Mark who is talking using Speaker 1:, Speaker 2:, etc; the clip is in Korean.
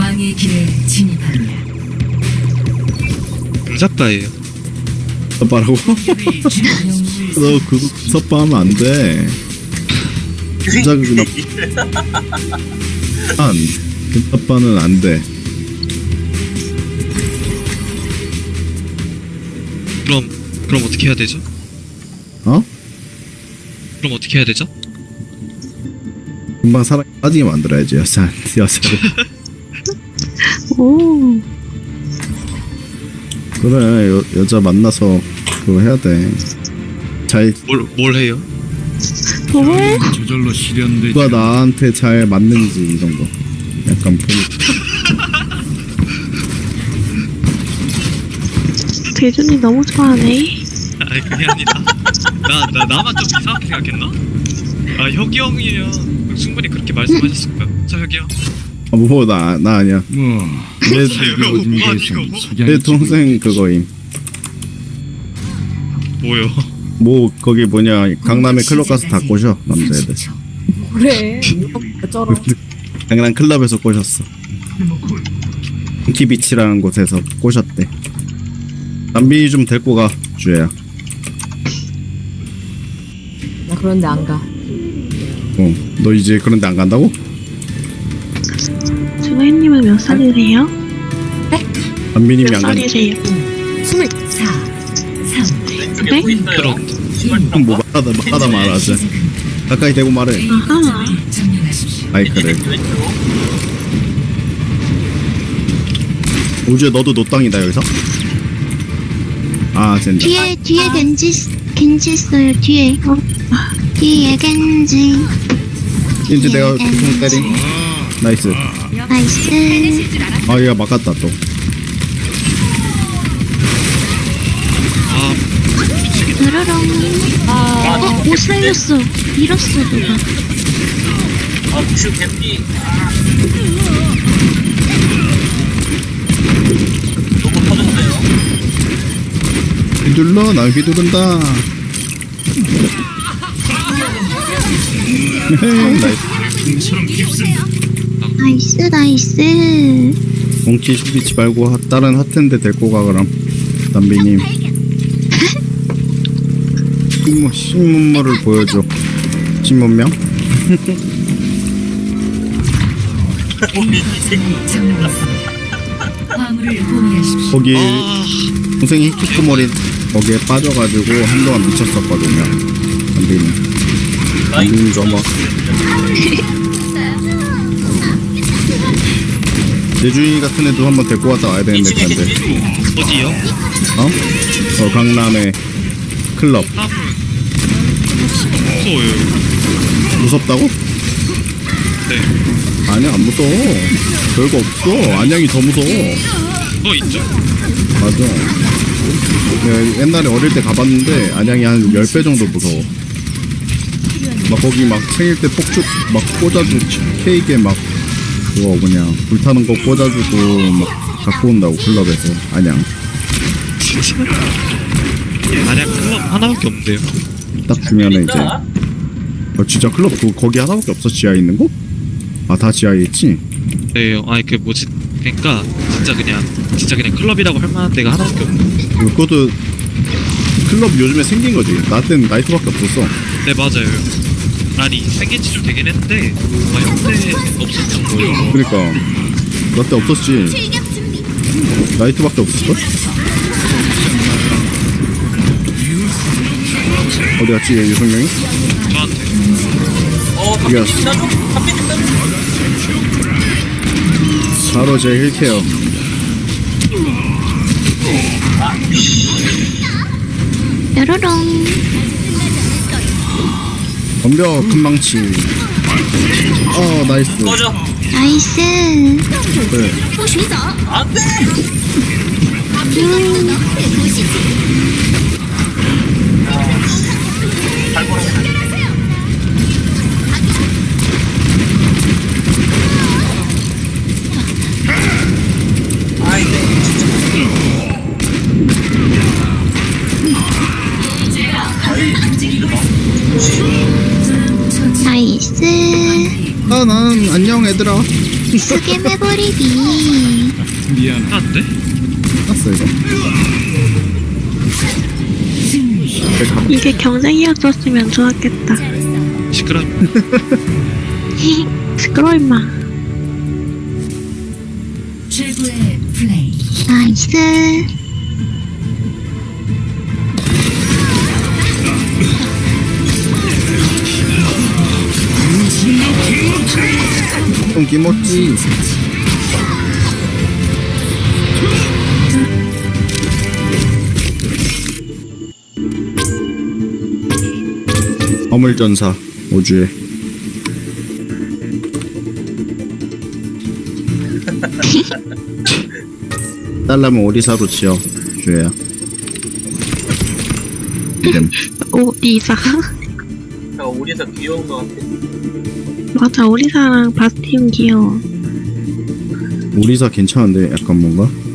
Speaker 1: 왕의 길에 진입하리라.
Speaker 2: 작가예요.
Speaker 3: 섭바라고? 너 그거 섭바하면 안 돼. 진짜 그거 섭바는 안 돼.
Speaker 2: 그럼 어떻게 해야 되죠?
Speaker 3: 어?
Speaker 2: 그럼 어떻게 해야 되죠?
Speaker 3: 금방 사랑에 빠지게 만들어야지 여자를.
Speaker 4: 오.
Speaker 3: 그래 여자 만나서 그거 해야 돼. 잘
Speaker 2: 뭘 해요?
Speaker 4: 왜?
Speaker 5: 저절로 실현되지.
Speaker 3: 누가 나한테 잘 맞는지 이런 거 약간 보고.
Speaker 4: 대준이 너무 좋아하네.
Speaker 2: 아니 그게 아니라 나만 좀 이상하게 생각했나? 아 혁이 형이면 충분히 그렇게 말씀하셨을 거야. 저 혁이 형.
Speaker 3: 뭐 나 아니야.
Speaker 5: 뭐
Speaker 3: 내
Speaker 2: 뭐가 아니고
Speaker 3: 내 동생 그거임.
Speaker 2: 뭐요?
Speaker 3: 뭐 거기 뭐냐 강남에 클럽 가서 다 꼬셔 남자애들.
Speaker 1: 그래. 어쩌러.
Speaker 3: 강남 클럽에서 꼬셨어. 키비치라는 곳에서 꼬셨대. 남빈이 좀 데리고 가 주혜야.
Speaker 1: 나 그런데 안 가.
Speaker 3: 너 이제 그런데 안 간다고?
Speaker 4: 준호님은 몇 살이세요?
Speaker 3: 남빈님이
Speaker 4: 몇
Speaker 3: 안 간다.
Speaker 4: 살이세요?
Speaker 1: 24, 3,
Speaker 4: 네?
Speaker 2: 그런
Speaker 3: 그럼 뭐 말하다 말하자. 가까이 대고 말해.
Speaker 4: 아하.
Speaker 1: 점령하십시오.
Speaker 3: 마이크를. 우주야 너도 노땅이다 여기서? 아 젠장.
Speaker 6: 뒤에 겐지 있어요. 뒤에 겐지.
Speaker 3: 이제 내가 총 때림. 나이스.
Speaker 6: 나이스.
Speaker 3: 아 얘가 막았다 또.
Speaker 6: 으르렁. 못 살렸어. 밀었어 누가.
Speaker 3: 휘둘러 난 휘두른다. 나이스.
Speaker 6: 나이스.
Speaker 3: 몽키 슈비치 말고 다른 핫텐데 데리고 가 그럼. 담비님. 신문물을 보여줘. 신문명?
Speaker 1: 화물을 포기하십시오.
Speaker 3: 거기 동생이 히키코모리 거기에 빠져가지고 한동안 미쳤었거든요. 담비님 좀 예준이 같은 애도 한번 데리고 갔다 와야 되는데 텐데.
Speaker 2: 어디요?
Speaker 3: 어? 강남에 클럽.
Speaker 2: 무서워요.
Speaker 3: 무섭다고?
Speaker 2: 네.
Speaker 3: 아니야 안 무서워. 별거 없어. 안양이 더 무서워.
Speaker 2: 있죠.
Speaker 3: 맞아. 옛날에 어릴 때 가봤는데 안양이 한 10배 정도 무서워. 막 거기 막 생일 때 폭죽 막 꽂아주고 케이크에 막 그거 뭐냐 불타는 거 꽂아주고 막 갖고 온다고 클럽에서 안양.
Speaker 2: 진짜. 만약 클럽 하나밖에 없는데요.
Speaker 3: 딱 주면은 이제 진짜 클럽 거기 하나밖에 없어 지하에 있는 거? 아 다 지하에 있지?
Speaker 2: 네, 아니 그 뭐지? 그러니까 진짜 그냥 클럽이라고 할 만한 데가 하나밖에 없네.
Speaker 3: 그것도 클럽 요즘에 생긴 거지. 나 때는 나이트밖에 없었어.
Speaker 2: 네 맞아요. 아니 생긴 지 좀 되긴 했는데 현대 없었던 거예요.
Speaker 3: 그러니까 나 때 없었지. 나이트밖에 없었어? 어디 갔지 유성명이?
Speaker 2: 저한테.
Speaker 3: 이겼어. 바로 제 힐케어.
Speaker 6: 으르렁.
Speaker 3: 덤벼 금망치. 나이스.
Speaker 6: 나이스.
Speaker 3: 그래.
Speaker 6: 나이스.
Speaker 3: 난 안녕 얘들아.
Speaker 6: 스겜해버리기.
Speaker 5: 미안.
Speaker 2: 안돼?
Speaker 3: 끝났어 이거.
Speaker 4: 이게 경쟁이었었으면 좋았겠다.
Speaker 2: 시끄러.
Speaker 4: 시끄러 임마.
Speaker 1: 최고의 플레이.
Speaker 6: 나이스.
Speaker 3: 좀 김었지. 화물전사 5주에 딸라면 오리사로 지어 주야. 이름
Speaker 4: 오 리사.
Speaker 7: 우리에서 귀여운 것 같아.
Speaker 4: 맞아 오리사랑 바스티온 귀여워.
Speaker 3: 오리사 괜찮은데 약간 뭔가